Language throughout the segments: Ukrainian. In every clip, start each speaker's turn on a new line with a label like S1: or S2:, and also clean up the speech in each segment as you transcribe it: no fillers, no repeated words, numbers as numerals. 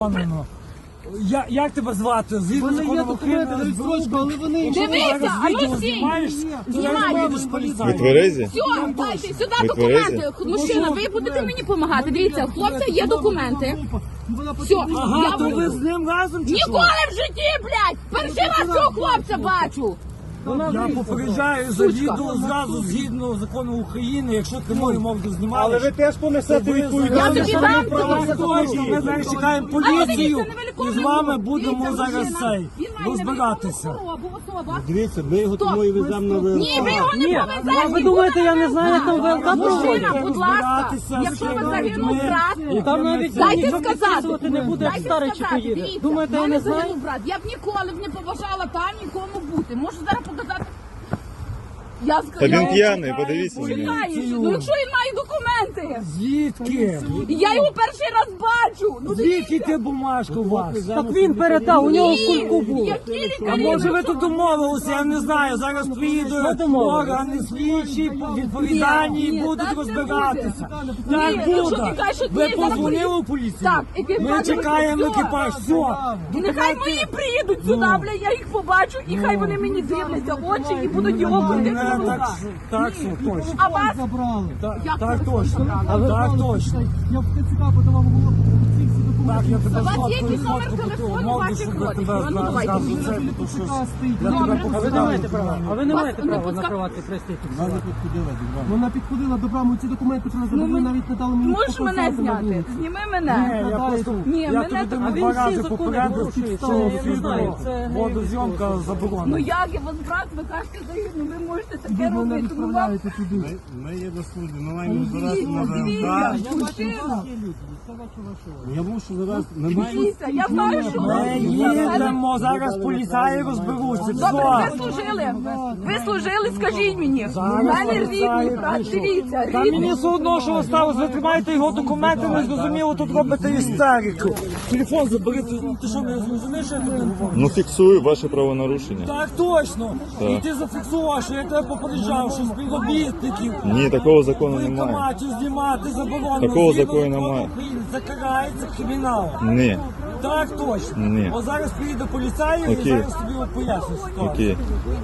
S1: Як тебе звати? Згідно закону України,
S2: але вони...
S3: Дивіться, а ну всі! Знімайте!
S4: Ви тверезі?
S3: Все, дайте сюди документи. Мужчина, ви будете мені допомагати. Дивіться, у хлопця є документи. Все,
S1: Ага, то ви з ним разом чи що?
S3: ніколи в житті, блядь! Перший раз цього хлопця бачу!
S1: Я попереджаю за відео зразу згідно закону України, якщо ти мою мову знімаєш.
S2: Але ви теж понесете
S3: Я
S2: відповідальність.
S3: тобі дам тобі.
S1: Точно, ми зараз чекаємо поліцію і з вами будемо зараз цей розбиратися.
S2: Дивіться, ми його тому і веземо на ВЛК.
S3: Ні, ви його не повезете!
S5: Ви думаєте, я не знаю, як там ВЛК
S3: Мужчина,
S5: проводять?
S3: будь ласка, якщо ви загинув брат,
S5: Там навіть
S3: дайте
S5: ніхто
S3: сказати.
S5: підписувати не буде, як
S3: Дайте
S5: старий чи
S3: сказати.
S5: поїде.
S3: Дивіться,
S5: Думаєте, я
S3: в мене
S5: не знаю?
S3: загинув брат. Я б ніколи б не побажала там нікому бути. Можу зараз показати. Я
S4: Та він
S3: сказала.
S4: п'яний, подивіться на нього.
S3: Чекаєш, ну якщо він має документи,
S1: Звідки?
S3: я його перший раз бачу. Ну
S1: Звідки ти бумажка у вас?
S5: Так він передав, у нього в кульку був.
S3: які
S1: А
S3: лікарі?
S1: може ви тут домовилися, я не знаю, зараз приїдуть органи слідчі, відповідальні і будуть розбиратися. Так
S3: якщо
S1: буде.
S3: ти кажеш, що
S1: Ви
S3: ти зараз
S1: позвонили у поліцію?
S3: Так, екіпаж
S1: Ми чекаємо
S3: все.
S1: екіпаж, все.
S3: І нехай мої приїдуть сюди, бля, я їх побачу, і хай вони мені дивляться в очі і будуть його ходити на руках.
S1: Так, все, точно.
S3: А вас?
S2: Забрали.
S3: Як
S1: Так
S3: ви
S1: точно.
S3: забрали?
S1: Так точно.
S2: Я в ТЦК подавав голову, ці всі
S1: Так, я
S2: документи.
S1: тебе
S3: У вас
S1: сфоткаю,
S3: є якийсь номер
S1: фотку
S3: телефону
S1: мовлю,
S3: ваших
S1: щоб
S3: родичів?
S1: тебе
S3: А ну, давайте
S1: зразу
S3: мені.
S1: це, тому що я
S3: Добре.
S1: тебе
S5: А ви не маєте права, а ви не
S3: Вас
S5: маєте
S3: не
S5: права
S3: пускав-
S5: на приватний пристрій
S2: Вона
S5: фіксувати.
S2: підходила до брами. Вона підходила до брами, ці документи привезли, ви навіть не дали мені
S3: Можеш мене
S2: показати на
S3: зняти?
S2: вулиці.
S3: Зніми
S1: Ні,
S3: мене.
S1: я просто,
S3: Ні,
S1: я
S3: мене
S1: тобі
S3: так-
S1: там
S5: А він
S1: два
S5: всі
S1: рази
S5: закони
S1: попередив,
S5: порушує,
S1: що
S5: це я не
S1: фільму
S5: знаю, це не
S1: водозйомка
S3: Ну
S1: заборонена.
S3: як я вас брат, ви кажете, загину, ви можете таке
S2: Ви мене
S3: робити. Ну вам
S2: відправляєте туди.
S6: Ми є до служби, ми маємо збиратися на
S3: дивіться,
S6: ВЛК.
S3: мужчина.
S6: Я мушу зараз, ми маємо...
S3: Дивіться, я знаю, що
S1: Ми їдемо, зараз поліцаї розберуться.
S3: Добре,
S1: Все.
S3: ви служили. Ви служили, скажіть мені. У
S1: Зараз
S3: мене
S1: поліцаї
S3: рідний брат,
S1: прийшов.
S3: дивіться,
S1: Та
S3: рідний.
S1: мені все одно, що ви сталося, ви тримаєте його документи, не зрозуміло, тут робите істерику. Телефон забери, ти що, не зрозумієш, що я тобі говорю?
S4: Ну фіксую ваше правонарушення.
S1: Так точно. І ти зафіксував, що я тебе попереджав, що співробітників
S4: Ні, такого закону немає.
S1: воєнкоматів знімати заборонено.
S4: Такого
S1: Згідно
S4: закону
S1: закону
S4: немає.
S1: України це карається криміналом.
S4: Ні.
S1: Так точно.
S4: Ні.
S1: От зараз приїде поліцай і
S4: Окей.
S1: зараз тобі поясню ситуацію.
S4: Окей.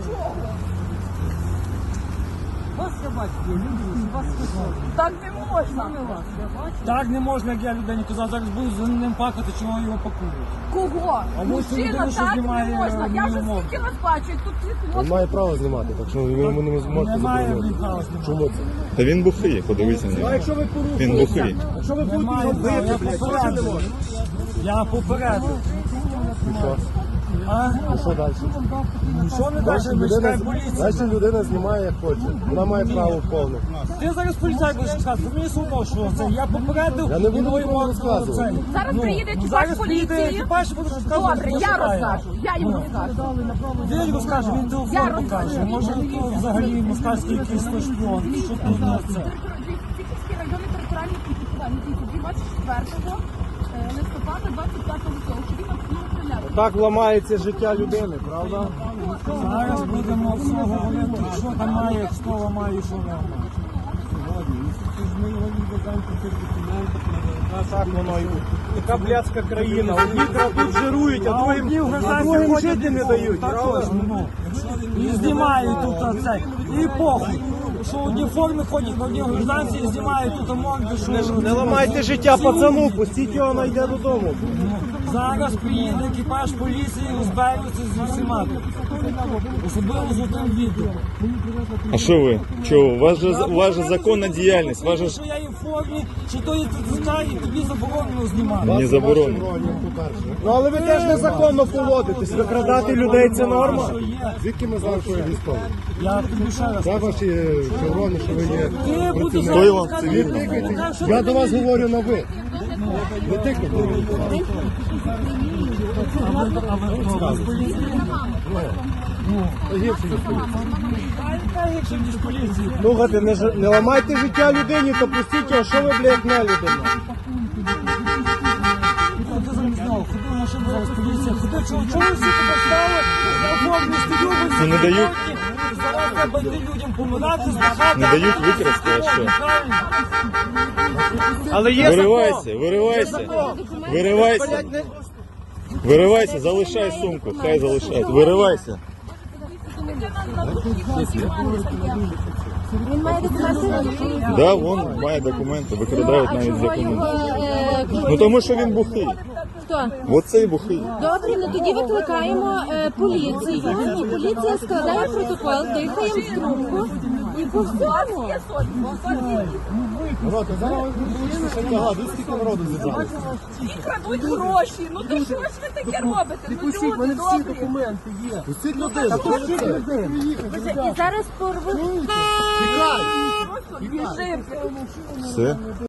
S5: Вас я бачу, люди, вас слухали.
S3: Так не можна.
S1: Так не можна, як я людині казав, зараз буду за ним пакати, чого його пакують.
S3: Кого?
S1: А ось
S3: Мужчина,
S1: людина, що
S3: так не
S1: знімає
S3: можна. Я вже
S1: мою
S3: скільки вас бачу, і тут ці
S2: Він
S3: хлопці.
S2: має право знімати, так що ви йому не можете
S1: Немає
S2: заборонити.
S1: права знімати.
S2: Чому це?
S4: Та він бухий, подивіться на нього.
S2: Якщо ви
S4: Він
S2: порушуєте,
S4: бухий.
S2: якщо ви будете
S1: Немає
S2: його
S1: права,
S2: бити,
S1: я
S2: блядь,
S1: попередив. Я попередив. А?
S2: що далі?
S1: Що не далі? Ми чекаємо поліцію.
S2: Значить людина знімає як хоче. Вона має право повне.
S1: Ти зараз поліцай будеш сказати, мені все одно, що це. Я попередив.
S2: Я не буду
S1: і
S2: нікому
S1: йому
S2: розказувати.
S1: це.
S3: Зараз приїде екіпаж
S1: Зараз приїде
S3: поліції.
S1: екіпаж і буде розказувати.
S3: Добре,
S1: що
S3: я
S1: шукає.
S3: розкажу. Я їм розкажу.
S1: Він розкаже, він
S3: Я
S1: телефон
S3: розкажу.
S1: покаже. Може, то взагалі москальський якийсь то шпіон. Що тут на це?
S3: Тільки районний територіальний підпитання. 24 листопада 25 року. Чи він обстріляв?
S2: Так ламається життя людини, правда?
S1: Зараз будемо все говорити, що там має, хто ламає, що не ламає.
S2: Ми його відвеземо по цих документах на ВЛК. Так воно і така блядська країна. Одні тут жирують, а другим жити не дають,
S1: Так
S2: правда?
S1: точно, ну. І знімають тут оце. І похуй. Що одні форми ходять, на одні гражданці і знімають тут морди, що...
S2: Не ламайте життя пацану, пустіть його, найде додому.
S1: Зараз приїде екіпаж поліції, розберуться з усіма. Особливо з отим відео.
S4: А що ви? Чого? У вас же законна діяльність. Вас же ж
S1: Що я є в формі, що то є ТЦК і тобі заборонено знімати.
S4: не заборонено.
S2: Ну але ви теж незаконно поводитесь. Викрадати людей це норма.
S1: Що є.
S2: Звідки ми знаємо, що ви військові?
S1: Я тобі ще раз.
S2: Це ваші шеврони, що ви є.
S1: Ти будеш
S4: Хто вам
S1: розказувати,
S4: цивільно?
S1: що
S2: Я
S1: ти
S2: до вас
S1: мені-
S2: говорю на ви. Ви тикайте.
S1: А ви хто? Ви з поліції?
S2: Гірше ніж поліція.
S1: Та якщо ніж поліції.
S2: Слухайте, не ламайте життя людині, то пустіть його, що ви, блядь, не людина.
S1: Ти зараз не знав, ходи, машина зараз поліція. Ходи, чого ви всі тебе стали?
S4: Ну, не дають.
S1: Зараз треба йти людям помирати, збагати.
S4: Не дають викрасти, а що?
S2: Але є
S4: Виривайся, виривайся. Виривайся. Виривайся, залишай сумку, хай залишай. Виривайся.
S7: Він має документи.
S4: Да, вон має документи, викрадають навіть з документи. Ну тому що він бухий.
S7: Хто?
S4: Оцей бухий.
S7: Добре, ну тоді викликаємо поліцію, і поліція складає протокол, дихаємо в трубку і по всьому.
S6: Народ, а зараз ви ще тягати, скільки народу зібрали?
S3: І крадуть гроші. Ну то що ж ви таке робите? Ну люди добрі.
S6: документи є. Пустіть людей.
S7: І зараз порвуть.
S3: Біжимо.
S4: Все.